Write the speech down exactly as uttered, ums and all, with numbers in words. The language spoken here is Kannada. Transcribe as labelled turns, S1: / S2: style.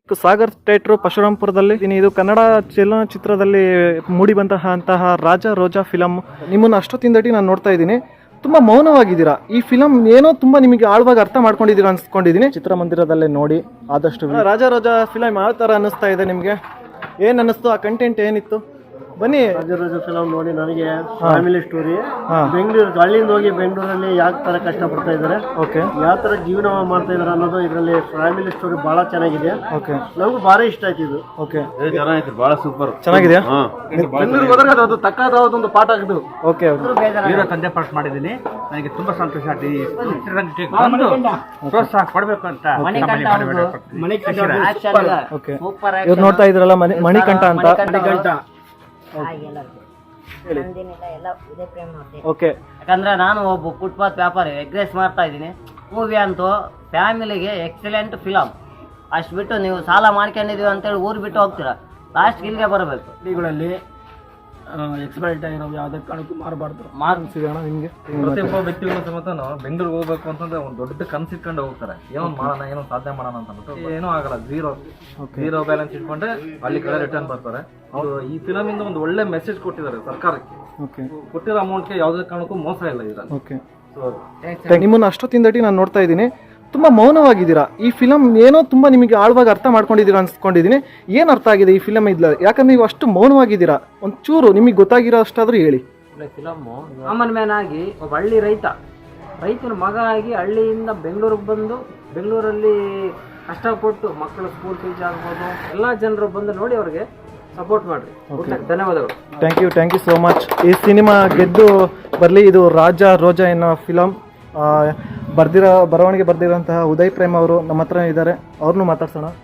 S1: ಸಾಗರ್ ಥಿಯೇಟರ್ ಪರಶುರಾಂಪುರದಲ್ಲಿ ಇದು ಕನ್ನಡ ಚಲನಚಿತ್ರದಲ್ಲಿ ಮೂಡಿ ಬಂತಹ ಅಂತಹ ರಾಜ ರೋಜಾ ಫಿಲಮ್. ನಿಮ್ಮನ್ನು ಅಷ್ಟೊತ್ತಿಂದಟಿ ನಾನು ನೋಡ್ತಾ ಇದ್ದೀನಿ, ತುಂಬ ಮೌನವಾಗಿದ್ದೀರಾ. ಈ ಫಿಲಮ್ ಏನೋ ತುಂಬ ನಿಮಗೆ ಆಳವಾಗಿ ಅರ್ಥ ಮಾಡ್ಕೊಂಡಿದ್ದೀರಾ ಅನ್ಸ್ಕೊಂಡಿದ್ದೀನಿ. ಚಿತ್ರಮಂದಿರದಲ್ಲೇ ನೋಡಿ ಆದಷ್ಟು. ರಾಜ ರೋಜಾ ಫಿಲಮ್ ಯಾವ ಥರ ಅನ್ನಿಸ್ತಾ ಇದೆ ನಿಮಗೆ? ಏನು ಅನ್ನಿಸ್ತು? ಆ ಕಂಟೆಂಟ್ ಏನಿತ್ತು? ಬನ್ನಿ.
S2: ರಾಜ ರೋಜಾ ಫಿಲಮ್ ನೋಡಿ ನನಗೆ ಫ್ಯಾಮಿಲಿ ಸ್ಟೋರಿ. ಬೆಂಗಳೂರು ಹಳ್ಳಿಯಿಂದ ಹೋಗಿ ಬೆಂಗಳೂರಲ್ಲಿ ಯಾವ ತರ ಕಷ್ಟ ಪಡ್ತಾ ಇದ್ದಾರೆ,
S1: ಓಕೆ, ಯಾವ
S2: ತರ ಜೀವನ ಮಾಡ್ತಾ ಇದಾರೆ ಅನ್ನೋದು ಇದರಲ್ಲಿ ಫ್ಯಾಮಿಲಿ ಸ್ಟೋರಿ ಬಹಳ ಚೆನ್ನಾಗಿದೆ.
S1: ಓಕೆ,
S2: ನಮಗೂ ಭಾರಿ ಇಷ್ಟ ಆಯ್ತು ಇದು.
S1: ಓಕೆ,
S2: ಚೆನ್ನಾಗಿತ್ತು, ಬಹಳ ಸೂಪರ್,
S1: ಚೆನ್ನಾಗಿದೆಯಾ?
S2: ಬೆಂಗಳೂರಿಗೆ ಹೋದ್ರೆ ಅದು ತಕ್ಕದಾದ ಒಂದು ಪಾಠ ಆಗಿದ್ದು.
S1: ಓಕೆ,
S3: ಹೀರೋ ತಂದೆ ಪಾಠ ಮಾಡಿದ್ದೀನಿ. ನನಗೆ ತುಂಬಾ ಸಂತೋಷ ಆಗಿ ಪ್ರೋತ್ಸಾಹ ಕೊಡಬೇಕು ಅಂತ.
S1: ಓಕೆ, ಇವ್ರು ನೋಡ್ತಾ ಇದ್ರಲ್ಲ ಮಣಿ ಮಣಿಕಂಠ ಅಂತ.
S2: ಮಣಿಕಂಠ
S1: ಓಕೆ,
S4: ಯಾಕಂದ್ರೆ ನಾನು ಒಬ್ಬ ಫುಟ್ಪಾತ್ ವ್ಯಾಪಾರಿ, ಎಗ್ ರೈಸ್ ಮಾಡ್ತಾ ಇದ್ದೀನಿ. ಮೂವಿ ಅಂತೂ ಫ್ಯಾಮಿಲಿಗೆ ಎಕ್ಸಲೆಂಟ್ ಫಿಲಮ್. ಅಷ್ಟು ಬಿಟ್ಟು ನೀವು ಸಾಲ ಮಾಡ್ಕೊಂಡಿದೀವಿ ಅಂತೇಳಿ ಊರು ಬಿಟ್ಟು ಹೋಗ್ತೀರಾ, ಲಾಸ್ಟ್ ಇಲ್ಲಿಗೆ ಬರಬೇಕು.
S2: ಹಳ್ಳಿಗಳಲ್ಲಿ ಎಕ್ಸ್ಪೈರ್ಟ್ ಆಗಿರೋ ಯಾವುದೇ ಕಾರಣಕ್ಕೂ ಮಾರಬಾರ್ದು.
S1: ಮಾರ್ಸಿಗೋಣ ನಿಮಗೆ.
S3: ಪ್ರತಿಯೊಬ್ಬ ವ್ಯಕ್ತಿಗಳು ಸಮೇತ ಬೆಂಗಳೂರಿಗೆ ಹೋಗ್ಬೇಕು ಅಂತಂದ್ರೆ ಒಂದು ದೊಡ್ಡ ಕನಸಿಟ್ಕೊಂಡು ಹೋಗ್ತಾರೆ. ಏನೋ ಮಾಡೋಣ, ಏನೋ ಸಾಧನೆ ಮಾಡೋಣ ಅಂತ ಅಂದ್ಬಿಟ್ಟು ಏನೂ ಆಗಲ್ಲ. ಝೀರೋ ಝೀರೋ ಬ್ಯಾಲೆನ್ಸ್ ಇಟ್ಕೊಂಡ್ರೆ ಅಲ್ಲಿ ಕಡೆ ರಿಟರ್ನ್ ಬರ್ತಾರೆ. ಅವರು ಈ ಫಿಲಮ್ ಇಂದ ಒಂದು ಒಳ್ಳೆ ಮೆಸೇಜ್ ಕೊಟ್ಟಿದ್ದಾರೆ ಸರ್ಕಾರಕ್ಕೆ.
S1: ಓಕೆ,
S3: ಕೊಟ್ಟಿರೋ ಅಮೌಂಟ್ಗೆ ಯಾವುದೇ ಕಾರಣಕ್ಕೂ ಮೋಸ ಇಲ್ಲ ಇದರಲ್ಲಿ.
S1: ಓಕೆ, ನಿಮ್ಮನ್ನು ಅಷ್ಟೊತ್ತಿಂದಟಿ ನಾನು ನೋಡ್ತಾ ಇದ್ದೀನಿ, ತುಂಬ ಮೌನವಾಗಿದ್ದೀರಾ. ಈ ಫಿಲಮ್ ಏನೋ ತುಂಬ ನಿಮಗೆ ಆಳವಾಗಿ ಅರ್ಥ ಮಾಡ್ಕೊಂಡಿದ್ದೀರಾ ಅನ್ಸ್ಕೊಂಡಿದ್ದೀನಿ. ಏನು ಅರ್ಥ ಆಗಿದೆ ಈ ಫಿಲಮ್ ಇದ್ಲ? ಯಾಕಂದ್ರೆ ನೀವು ಅಷ್ಟು ಮೌನವಾಗಿದ್ದೀರಾ, ಒಂಚೂರು ನಿಮಗೆ ಗೊತ್ತಾಗಿರೋ ಅಷ್ಟಾದರೂ ಹೇಳಿ.
S4: ಫಿಲಮ್ಮು ಕಾಮನ್ ಮ್ಯಾನ್ ಆಗಿ ಒಬ್ಬ ಹಳ್ಳಿ ರೈತ, ರೈತನ ಮಗ ಆಗಿ ಹಳ್ಳಿಯಿಂದ ಬೆಂಗಳೂರಿಗೆ ಬಂದು ಬೆಂಗಳೂರಲ್ಲಿ ಕಷ್ಟಪಟ್ಟು ಮಕ್ಕಳು ಸ್ಕೂಲ್ ಫೀಸ್ ಆಗ್ಬೋದು ಎಲ್ಲ ಜನರು ಬಂದು ನೋಡಿ ಅವ್ರಿಗೆ ಸಪೋರ್ಟ್ ಮಾಡಿರಿ. ಧನ್ಯವಾದಗಳು.
S1: Thank you, thank you so much. ಈ ಸಿನಿಮಾ ಗೆದ್ದು ಬರಲಿ. ಇದು ರಾಜ ರೋಜಾ ಎನ್ನೋ ಫಿಲಮ್ ಬರ್ದಿರೋ ಬರವಣಿಗೆ ಬರ್ದಿರೋಂತಹ ಉದಯ್ ಪ್ರೇಮ್ ಅವರು ನಮ್ಮ ಹತ್ರ ಇದ್ದಾರೆ, ಅವ್ರನ್ನೂ ಮಾತಾಡ್ಸೋಣ.